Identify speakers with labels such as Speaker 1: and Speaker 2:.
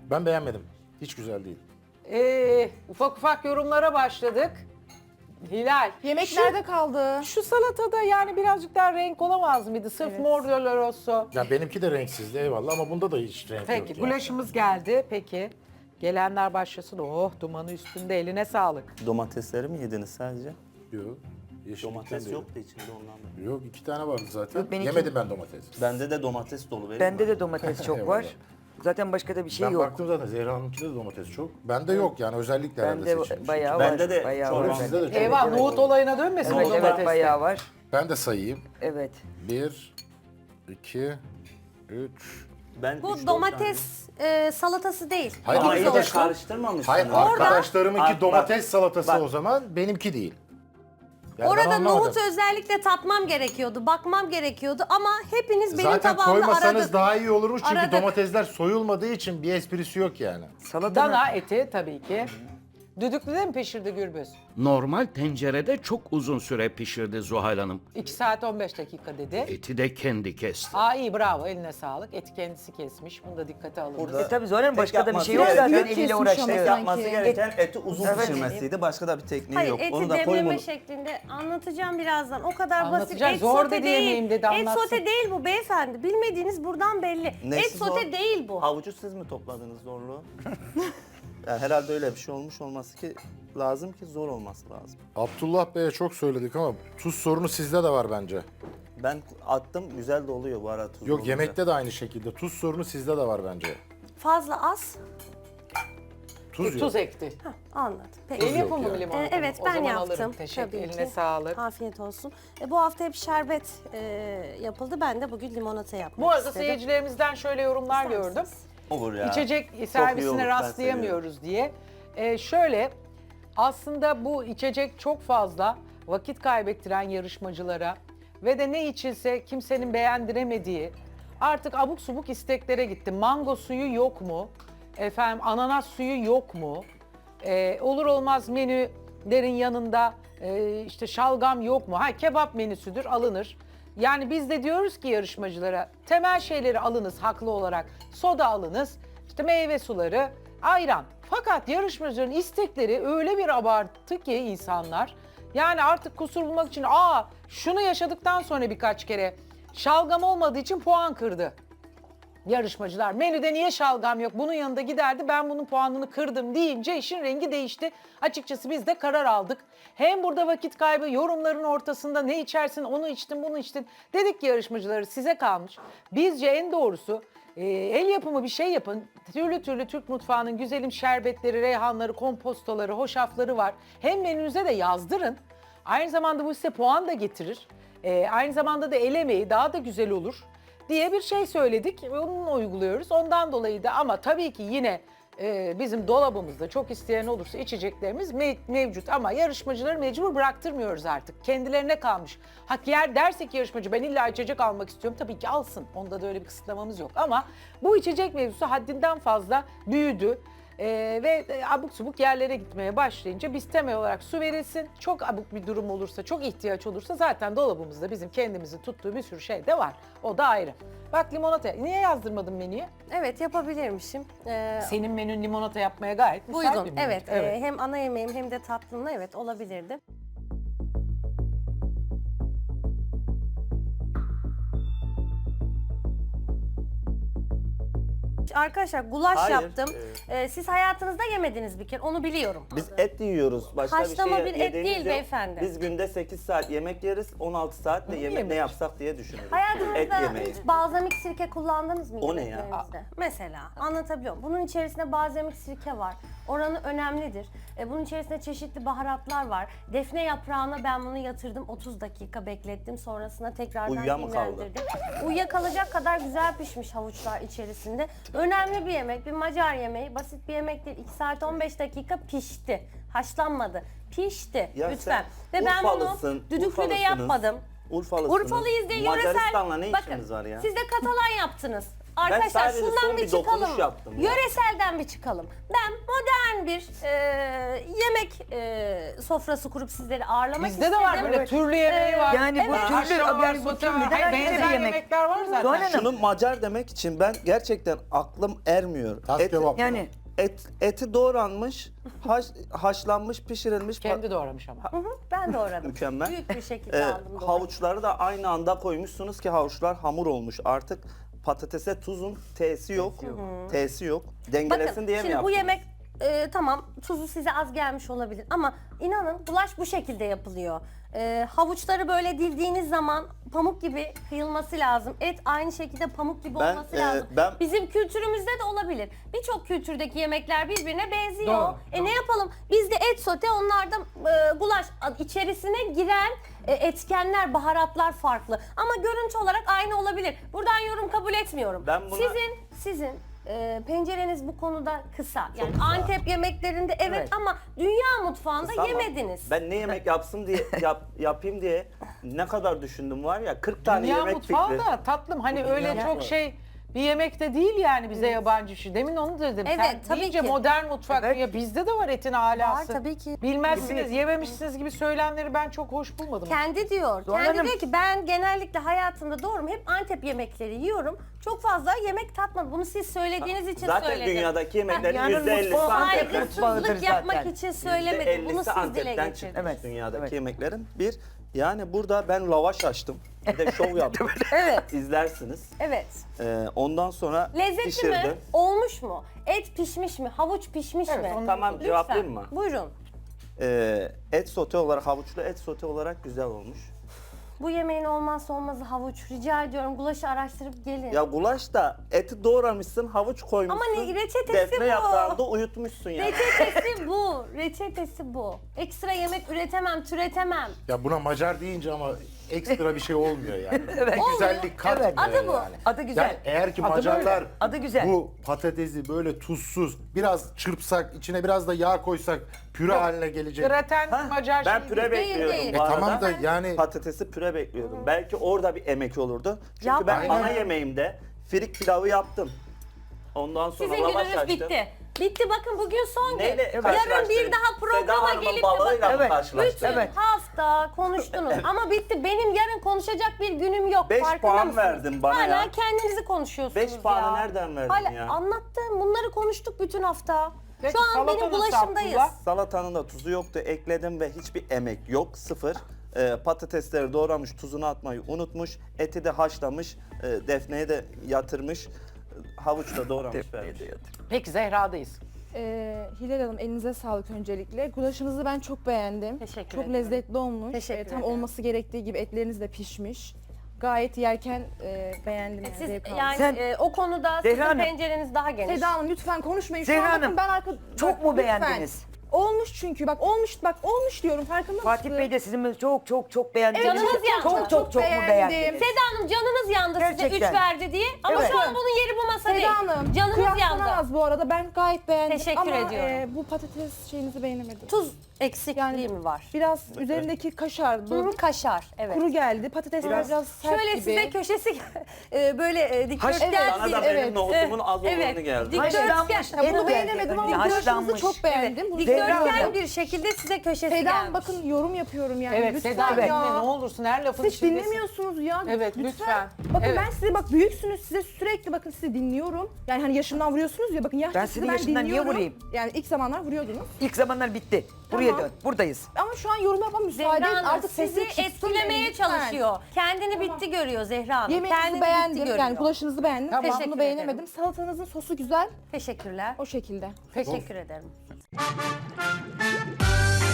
Speaker 1: Ben beğenmedim. Hiç güzel değil.
Speaker 2: Ufak ufak yorumlara başladık. Hilal.
Speaker 3: Yemek nerede kaldı?
Speaker 2: Şu salatada yani birazcık daha renk olamaz mıydı? Sırf mor doloroso.
Speaker 1: Ya benimki de renksizdi eyvallah ama bunda da hiç renk
Speaker 2: Peki
Speaker 1: yok. Yani.
Speaker 2: gulaşımız geldi. Peki. Gelenler başlasın. Oh dumanı üstünde, eline sağlık.
Speaker 4: Domatesleri mi yediniz sadece?
Speaker 1: Yok. Yeşillikten
Speaker 4: Domates
Speaker 1: de
Speaker 4: yoktu içinde ondan da.
Speaker 1: Yok 2 tane vardı zaten.
Speaker 5: Yok, benimki-
Speaker 1: Yemedim ben domates.
Speaker 4: Bende de domates dolu. vereyim
Speaker 5: Bende
Speaker 4: mi?
Speaker 5: de domates çok var. Zaten başka da bir şey
Speaker 1: Ben
Speaker 5: yok.
Speaker 1: baktım zaten Zehra Hanım'kide de domates çok. Bende yok yani özellikle herhalde
Speaker 5: Bende
Speaker 1: seçilmiş.
Speaker 5: bayağı
Speaker 4: Bende
Speaker 5: var.
Speaker 4: de
Speaker 5: bayağı
Speaker 4: çorba.
Speaker 5: var.
Speaker 1: Sizde de çok.
Speaker 2: Eyvah nohut olayına dönmesin
Speaker 5: Evet,
Speaker 2: o
Speaker 5: evet
Speaker 2: domatesler.
Speaker 5: bayağı var.
Speaker 1: Ben de sayayım.
Speaker 5: Evet.
Speaker 1: 1, 2, 3.
Speaker 4: Ben
Speaker 6: Bu
Speaker 4: 3-4
Speaker 6: domates salatası değil.
Speaker 1: Hayır,
Speaker 4: tane.
Speaker 1: arkadaş-
Speaker 4: Ama
Speaker 1: arkadaşlar-
Speaker 4: karıştırmamışsınız.
Speaker 1: Hayır arkadaşlarımınki
Speaker 4: Bak,
Speaker 1: domates salatası
Speaker 4: bak.
Speaker 1: o zaman benimki değil. Yani ben
Speaker 6: Orada
Speaker 1: anlamadım.
Speaker 6: nohutu özellikle tatmam gerekiyordu, bakmam gerekiyordu ama hepiniz benim
Speaker 1: Zaten
Speaker 6: tabağımda
Speaker 1: koymasanız
Speaker 6: aradık.
Speaker 1: daha iyi olurmuş çünkü
Speaker 6: Aradık.
Speaker 1: domatesler soyulmadığı için bir esprisi yok yani.
Speaker 5: Salata
Speaker 2: Dana eti tabii ki. Düdüklüde mi pişirdi Gürbüz?
Speaker 7: Normal tencerede çok uzun süre pişirdi Zuhal Hanım.
Speaker 2: 2 saat 15 dakika dedi.
Speaker 7: Eti de kendi kesti.
Speaker 2: Aa iyi bravo eline sağlık. Eti kendisi kesmiş. Bunu da dikkate alınız.
Speaker 4: Burada-
Speaker 5: tabii zaten başka da bir
Speaker 4: yapması
Speaker 5: şey yok
Speaker 4: gereken-
Speaker 5: zaten
Speaker 3: Büyük
Speaker 5: eliyle
Speaker 3: kesmiş
Speaker 5: uğraştı.
Speaker 3: ama
Speaker 4: Yapması
Speaker 3: sanki.
Speaker 4: gereken eti uzun
Speaker 5: Evet.
Speaker 4: pişirmesiydi. Başka da bir tekniği
Speaker 6: Hayır,
Speaker 4: yok.
Speaker 6: eti
Speaker 4: Onu da
Speaker 6: demleme
Speaker 4: koyun.
Speaker 6: şeklinde anlatacağım birazdan. O kadar basit.
Speaker 2: Anlatacak,
Speaker 6: Et
Speaker 2: zor
Speaker 6: sote
Speaker 2: dedi yemeğim dedi,
Speaker 6: Et
Speaker 2: anlatsın.
Speaker 6: sote değil bu beyefendi. Bilmediğiniz buradan belli.
Speaker 4: Nesi
Speaker 6: Et sote
Speaker 4: zor?
Speaker 6: değil bu.
Speaker 4: Havucu siz mi topladınız zorluğu? Yani herhalde öyle bir şey olmuş olması ki lazım ki zor olması lazım.
Speaker 1: Abdullah Bey'e çok söyledik ama tuz sorunu sizde de var bence.
Speaker 4: Ben attım güzel de oluyor bu arada tuzlu
Speaker 1: Yok
Speaker 4: olunca.
Speaker 1: yemekte de aynı şekilde. Tuz sorunu sizde de var bence.
Speaker 6: Fazla az.
Speaker 1: Tuz yok.
Speaker 2: Tuz ekti.
Speaker 6: Anladım. Peki.
Speaker 2: El
Speaker 1: yok
Speaker 2: yapımı
Speaker 1: yani.
Speaker 2: mı limonata mı?
Speaker 6: Evet
Speaker 2: O
Speaker 6: ben
Speaker 2: zaman
Speaker 6: yaptım.
Speaker 2: alırım. Teşekkür.
Speaker 6: Tabii
Speaker 2: Eline
Speaker 6: ki.
Speaker 2: sağlık.
Speaker 6: Afiyet olsun. Bu hafta hep şerbet yapıldı. Ben de bugün limonata yapmak
Speaker 2: Bu arada
Speaker 6: istedim.
Speaker 2: seyircilerimizden şöyle yorumlar
Speaker 6: İster
Speaker 2: gördüm.
Speaker 6: misiniz?
Speaker 4: Olur ya.
Speaker 2: İçecek
Speaker 4: Çok iyi olur,
Speaker 2: servisine
Speaker 4: ben
Speaker 2: rastlayamıyoruz diye. Şöyle aslında bu içecek çok fazla vakit kaybettiren yarışmacılara ve de ne içilse kimsenin beğendiremediği artık abuk subuk isteklere gitti. Mango suyu yok mu? Efendim ananas suyu yok mu? Olur olmaz menülerin yanında işte şalgam yok mu? Ha kebap menüsüdür alınır. Yani biz de diyoruz ki yarışmacılara temel şeyleri alınız haklı olarak. Soda alınız, işte meyve suları, ayran. Fakat yarışmacıların istekleri öyle bir abarttı ki insanlar. Yani artık kusur bulmak için şunu yaşadıktan sonra birkaç kere şalgam olmadığı için puan kırdı. Yarışmacılar menüde niye şalgam yok bunun yanında giderdi ben bunun puanını kırdım deyince işin rengi değişti. Açıkçası biz de karar aldık. Hem burada vakit kaybı yorumların ortasında ne içersin onu içtin bunu içtin. Dedik ki yarışmacıları size kalmış. Bizce en doğrusu el yapımı bir şey yapın. Türlü türlü Türk mutfağının güzelim şerbetleri, reyhanları, kompostoları, hoşafları var. Hem menünüze de yazdırın. Aynı zamanda bu size puan da getirir. Aynı zamanda da el emeği daha da güzel olur diye bir şey söyledik ve onu uyguluyoruz. Ondan dolayı da ama tabii ki yine bizim dolabımızda çok isteyen olursa içeceklerimiz mevcut ama yarışmacıları mecbur bıraktırmıyoruz artık. Kendilerine kalmış. Hak yer dersek yarışmacı ben illa içecek almak istiyorum tabii ki alsın. Onda da öyle bir kısıtlamamız yok ama bu içecek mevzusu haddinden fazla büyüdü. Ve abuk subuk yerlere gitmeye başlayınca biz temel olarak su verilsin. Çok abuk bir durum olursa, çok ihtiyaç olursa zaten dolabımızda bizim kendimizin tuttuğu bir sürü şey de var. O da ayrı. Bak limonata. Niye yazdırmadın menüye?
Speaker 6: Evet yapabilirmişim.
Speaker 2: Senin menün limonata yapmaya gayet müsait bir
Speaker 6: Uygun.
Speaker 2: menü.
Speaker 6: Evet. Hem ana yemeğim hem de tatlımla evet olabilirdi. Arkadaşlar gulaş
Speaker 4: Hayır,
Speaker 6: yaptım. Siz hayatınızda yemediniz bir kere onu biliyorum.
Speaker 4: Biz et yiyoruz. Başka
Speaker 6: Haşlama
Speaker 4: bir
Speaker 6: bir
Speaker 4: şey
Speaker 6: et
Speaker 4: yediğimiz
Speaker 6: değil
Speaker 4: yok.
Speaker 6: beyefendi.
Speaker 4: Biz günde 8 saat yemek yeriz. 16 saat de yemek ne yapsak diye düşünürüz. Et
Speaker 6: Hayatınızda
Speaker 4: yemeği.
Speaker 6: hiç balzamik sirke kullandınız mı
Speaker 4: O ne ya?
Speaker 6: yemeklerinizde? Mesela anlatabiliyor muyum? Bunun içerisinde balzamik sirke var. Oranı önemlidir. Bunun içerisinde çeşitli baharatlar var. Defne yaprağına ben bunu yatırdım. 30 dakika beklettim. Sonrasında tekrardan
Speaker 4: Uyuya mı kaldı?
Speaker 6: dinlendirdim. Uyuyakalacak kadar güzel pişmiş havuçlar içerisinde. Önemli bir yemek. Bir Macar yemeği. Basit bir yemek değil. 2 saat 15 dakika pişti. Haşlanmadı. Pişti.
Speaker 4: Ya
Speaker 6: Lütfen.
Speaker 4: sen
Speaker 6: Ve ben bunu
Speaker 4: Urfalısın,
Speaker 6: düdüklüde
Speaker 4: Urfalısınız.
Speaker 6: yapmadım.
Speaker 4: Urfalısınız.
Speaker 6: Urfalıyız diye yöresel.
Speaker 4: Macaristan'la ne
Speaker 6: Bakın,
Speaker 4: işiniz var ya?
Speaker 6: siz de Katalan yaptınız. Arkadaşlar
Speaker 4: sadece
Speaker 6: şundan
Speaker 4: son
Speaker 6: bir
Speaker 4: bir dokunuş
Speaker 6: çıkalım.
Speaker 4: yaptım ya.
Speaker 6: Yöreselden bir çıkalım. Ben modern bir yemek sofrası kurup sizleri ağırlamak
Speaker 2: Bizde
Speaker 6: istedim.
Speaker 2: de var böyle türlü yemeği var.
Speaker 5: Yani bu
Speaker 6: Evet.
Speaker 5: türlü,
Speaker 2: Akşam var,
Speaker 5: yani bu
Speaker 2: sote var.
Speaker 5: türlüden
Speaker 2: Hayır,
Speaker 5: ayrı bir
Speaker 2: benzer
Speaker 5: yemek.
Speaker 2: yemekler var zaten.
Speaker 5: Doğan Hanım.
Speaker 4: Şunu Macar demek için ben gerçekten aklım ermiyor.
Speaker 1: Tas kebap.
Speaker 5: Yani
Speaker 4: Eti doğranmış, haşlanmış, pişirilmiş.
Speaker 2: Kendi doğramış ama.
Speaker 6: Hı hı, ben doğradım.
Speaker 4: Mükemmel.
Speaker 6: Büyük bir şekilde aldım. doğradım.
Speaker 4: Havuçları da aynı anda koymuşsunuz ki havuçlar hamur olmuş. Artık patatese tuzun T'si yok. T'si yok. Dengelesin
Speaker 6: Bakın
Speaker 4: diye mi
Speaker 6: şimdi bu
Speaker 4: yaptın?
Speaker 6: yemek tamam tuzu size az gelmiş olabilir ama inanın bulaş bu şekilde yapılıyor. Havuçları böyle dildiğiniz zaman pamuk gibi kıyılması lazım. Et aynı şekilde pamuk gibi
Speaker 4: Ben,
Speaker 6: olması lazım.
Speaker 4: ben-
Speaker 6: Bizim kültürümüzde de olabilir. Birçok kültürdeki yemekler birbirine benziyor.
Speaker 2: Doğru, doğru.
Speaker 6: Ne yapalım? Bizde et sote, onlarda gulaş. İçerisine giren etkenler, baharatlar farklı. Ama görüntü olarak aynı olabilir. Buradan yorum kabul etmiyorum.
Speaker 4: Ben buna-
Speaker 6: Sizin pencereniz bu konuda kısa. Yani
Speaker 4: kısa.
Speaker 6: Antep yemeklerinde evet,
Speaker 5: Evet.
Speaker 6: ama dünya mutfağında
Speaker 4: Kısa ama
Speaker 6: yemediniz.
Speaker 4: Ben ne yemek yapsın diye yapayım diye ne kadar düşündüm var ya 40 tane
Speaker 2: Dünya
Speaker 4: yemek
Speaker 2: mutfağı
Speaker 4: fikri.
Speaker 2: da tatlım hani öyle
Speaker 4: Dünya
Speaker 2: çok
Speaker 4: mutfağı.
Speaker 2: bir yemek de değil yani bize yabancı bir şey. Demin onu dedim.
Speaker 6: Evet,
Speaker 2: Sen
Speaker 6: tabii
Speaker 2: deyince
Speaker 6: ki.
Speaker 2: modern mutfak
Speaker 5: Evet.
Speaker 2: ya bizde de var etin alası.
Speaker 6: Var tabii ki.
Speaker 2: Bilmezsiniz, yememişsiniz gibi söylemleri ben çok hoş bulmadım.
Speaker 6: Kendi diyor.
Speaker 5: Doğan
Speaker 6: Kendi
Speaker 5: Hanım-
Speaker 6: diyor ki ben genellikle hayatımda doğrum. Hep Antep yemekleri yiyorum. Çok fazla yemek tatmadım. Bunu siz söylediğiniz için
Speaker 4: Zaten
Speaker 6: söyledim.
Speaker 4: dünyadaki yemeklerin
Speaker 5: Yani
Speaker 4: %50'si
Speaker 5: mutfağı
Speaker 4: Antep'ten
Speaker 5: mutfağıdır
Speaker 6: Saygısızlık yapmak
Speaker 5: zaten.
Speaker 6: için söylemedim. Bunu
Speaker 4: %50'si
Speaker 6: siz dile
Speaker 4: Antep'ten
Speaker 6: getirdiniz.
Speaker 4: çıkmış
Speaker 5: Evet,
Speaker 4: dünyadaki
Speaker 5: evet.
Speaker 4: yemeklerin. Yani burada ben lavaş açtım. Bir de şov yaptım.
Speaker 6: Evet.
Speaker 4: İzlersiniz.
Speaker 6: Evet.
Speaker 4: Ondan sonra
Speaker 6: Lezzetli
Speaker 4: pişirdim.
Speaker 6: mi? Olmuş mu? Et pişmiş mi? Havuç pişmiş
Speaker 2: Evet,
Speaker 6: mi?
Speaker 2: onu-
Speaker 4: Tamam
Speaker 6: Lütfen.
Speaker 4: cevaplayayım mı?
Speaker 6: Buyurun.
Speaker 4: Et sote olarak, havuçlu et sote olarak güzel olmuş.
Speaker 6: Bu yemeğin olmazsa olmazı havuç. Rica ediyorum gulaşı araştırıp gelin.
Speaker 4: Ya gulaş da eti doğramışsın, havuç koymuşsun.
Speaker 6: Ama ne- reçetesi
Speaker 4: defne
Speaker 6: bu.
Speaker 4: yaprağında uyutmuşsun yani.
Speaker 6: Reçetesi bu. Reçetesi bu. Ekstra yemek üretemem, türetemem.
Speaker 1: Ya buna Macar deyince ama ekstra bir şey olmuyor yani.
Speaker 5: Evet.
Speaker 1: Bir güzellik katmıyor
Speaker 5: Evet.
Speaker 6: Adı bu.
Speaker 1: yani.
Speaker 5: Adı güzel.
Speaker 1: Yani eğer ki
Speaker 2: Adı
Speaker 1: Macarlar
Speaker 5: böyle. Adı güzel.
Speaker 1: bu patatesi böyle tuzsuz biraz çırpsak, içine biraz da yağ koysak püre haline gelecek.
Speaker 2: Graten Macar
Speaker 4: Ben
Speaker 2: şeyi
Speaker 4: püre
Speaker 2: değil.
Speaker 4: bekliyordum
Speaker 6: değil.
Speaker 4: bu arada.
Speaker 1: Tamam da yani
Speaker 4: Patatesi püre bekliyordum. Belki orada bir emek olurdu. Çünkü
Speaker 6: Yapma.
Speaker 4: ben ana
Speaker 1: Aynen.
Speaker 4: yemeğimde firik pilavı yaptım. Ondan sonra
Speaker 6: Sizin
Speaker 4: lavaş
Speaker 6: gününüz
Speaker 4: açtım.
Speaker 6: bitti. Bitti bakın bugün son gün.
Speaker 4: Neyle
Speaker 6: Yarın bir
Speaker 4: karşılaştırayım?
Speaker 6: daha programa
Speaker 4: Seda Hanım'ın
Speaker 6: gelip de
Speaker 4: balığıyla mı
Speaker 5: Evet.
Speaker 4: karşılaştırayım?
Speaker 6: bütün hafta konuştunuz ama bitti. Benim yarın konuşacak bir günüm yok.
Speaker 4: 5
Speaker 6: Farkında
Speaker 4: puan
Speaker 6: mısınız?
Speaker 4: verdin bana
Speaker 6: Hala
Speaker 4: ya.
Speaker 6: kendinizi konuşuyorsunuz
Speaker 4: 5
Speaker 6: ya.
Speaker 4: puanı nereden verdin
Speaker 6: Hala
Speaker 4: ya?
Speaker 6: anlattım. Bunları konuştuk bütün hafta.
Speaker 2: Peki,
Speaker 6: Şu an
Speaker 2: salata
Speaker 6: benim
Speaker 2: nasıl
Speaker 6: bulaşımdayız.
Speaker 2: Abdullah?
Speaker 4: Salatanın da tuzu yoktu. Ekledim ve hiçbir emek yok. Sıfır. Patatesleri doğramış, tuzunu atmayı unutmuş. Eti de haşlamış. Defneyi de yatırmış. Havuç da doğramış vermiş.
Speaker 2: Peki Zehra'dayız.
Speaker 3: Hilal Hanım elinize sağlık öncelikle. Gulaşınızı ben çok beğendim.
Speaker 6: Teşekkür
Speaker 3: Çok
Speaker 6: ederim.
Speaker 3: lezzetli olmuş.
Speaker 6: Teşekkür
Speaker 3: Tam
Speaker 6: ederim.
Speaker 3: olması gerektiği gibi etleriniz de pişmiş. Gayet yerken beğendim.
Speaker 6: Siz
Speaker 3: zevk aldım.
Speaker 6: yani
Speaker 5: Sen-
Speaker 6: o konuda
Speaker 5: Zehra
Speaker 6: sizin
Speaker 5: Hanım.
Speaker 6: pencereniz daha geniş.
Speaker 3: Seda Hanım lütfen konuşmayın. Şu
Speaker 5: Zehra
Speaker 3: an bakın
Speaker 5: Hanım,
Speaker 3: ben arka...
Speaker 5: çok
Speaker 3: Bak,
Speaker 5: mu
Speaker 3: lütfen.
Speaker 5: beğendiniz?
Speaker 3: Olmuş çünkü bak olmuş diyorum farkında
Speaker 5: Fatih
Speaker 3: mısın?
Speaker 5: Bey de sizin çok beğendi.
Speaker 6: Evet, canınız yandı.
Speaker 5: Çok mu beğendiniz?
Speaker 6: Seda Hanım canınız yandı size
Speaker 5: Gerçekten.
Speaker 6: 3 verdi diye. Ama
Speaker 5: Evet.
Speaker 6: şu an bunun yeri bu masa değil.
Speaker 3: Seda Hanım
Speaker 6: Canınız yandı.
Speaker 3: kıyaslanamaz bu arada ben gayet beğendim.
Speaker 6: Teşekkür
Speaker 3: ama,
Speaker 6: ediyorum.
Speaker 3: bu patates şeyinizi beğenemedim.
Speaker 6: Tuz eksikliği
Speaker 3: Yani-
Speaker 6: mi var?
Speaker 3: Biraz üzerindeki kaşardı.
Speaker 6: Kaşar, evet.
Speaker 3: Kuru geldi. Patatesler biraz sert
Speaker 6: Şöyle
Speaker 3: gibi.
Speaker 6: size köşesi böyle dikdörtgen
Speaker 3: Evet.
Speaker 4: Bana da
Speaker 3: Evet.
Speaker 4: benim nohutumun az olanı
Speaker 6: Evet.
Speaker 4: geldi.
Speaker 6: Dikdörtgen.
Speaker 5: Haşlanmış
Speaker 3: Ya bunu
Speaker 5: et
Speaker 3: beğenemedim ama
Speaker 5: geldi.
Speaker 3: gulaşınızı
Speaker 5: Haşlanmış.
Speaker 3: çok beğendim. Bunu
Speaker 5: Zehra
Speaker 6: Dikdörtgen
Speaker 5: Hanım.
Speaker 6: bir şekilde size köşesi
Speaker 3: Seda
Speaker 6: gelmiş.
Speaker 3: Hanım bakın yorum yapıyorum yani.
Speaker 2: Evet
Speaker 3: lütfen
Speaker 2: Seda
Speaker 3: ya.
Speaker 2: dinle ne olursun her lafın
Speaker 3: Hiç
Speaker 2: içindesin.
Speaker 3: dinlemiyorsunuz ya.
Speaker 2: Evet, lütfen.
Speaker 3: Bakın
Speaker 2: Evet.
Speaker 3: ben size bak büyüksünüz size sürekli bakın sizi dinliyorum. Yani hani yaşımdan vuruyorsunuz ya bakın yaşlı
Speaker 5: Ben
Speaker 3: sizi
Speaker 5: senin yaşından niye
Speaker 3: dinliyorum.
Speaker 5: vurayım?
Speaker 3: Yani ilk zamanlar vuruyordunuz.
Speaker 5: İlk zamanlar bitti. Buraya
Speaker 3: Tamam.
Speaker 5: dön. Buradayız.
Speaker 3: Ama şu an yorum yapmama müsaade
Speaker 6: Zehra
Speaker 3: edin.
Speaker 6: Hanım
Speaker 3: Artık
Speaker 6: sizi
Speaker 3: sesini çıksın
Speaker 6: etkilemeye
Speaker 3: lütfen.
Speaker 6: çalışıyor. Kendini bitti görüyor Zehra Hanım.
Speaker 3: Yemeğinizi
Speaker 6: Kendini bitti
Speaker 3: beğendim.
Speaker 6: görüyor.
Speaker 3: Yani gulaşınızı beğendim.
Speaker 2: Tamam.
Speaker 3: Bunu
Speaker 6: Teşekkür
Speaker 3: beğenemedim.
Speaker 6: ederim.
Speaker 3: Salatanızın sosu güzel.
Speaker 6: Teşekkürler.
Speaker 3: O şekilde.
Speaker 6: Teşekkür ederim.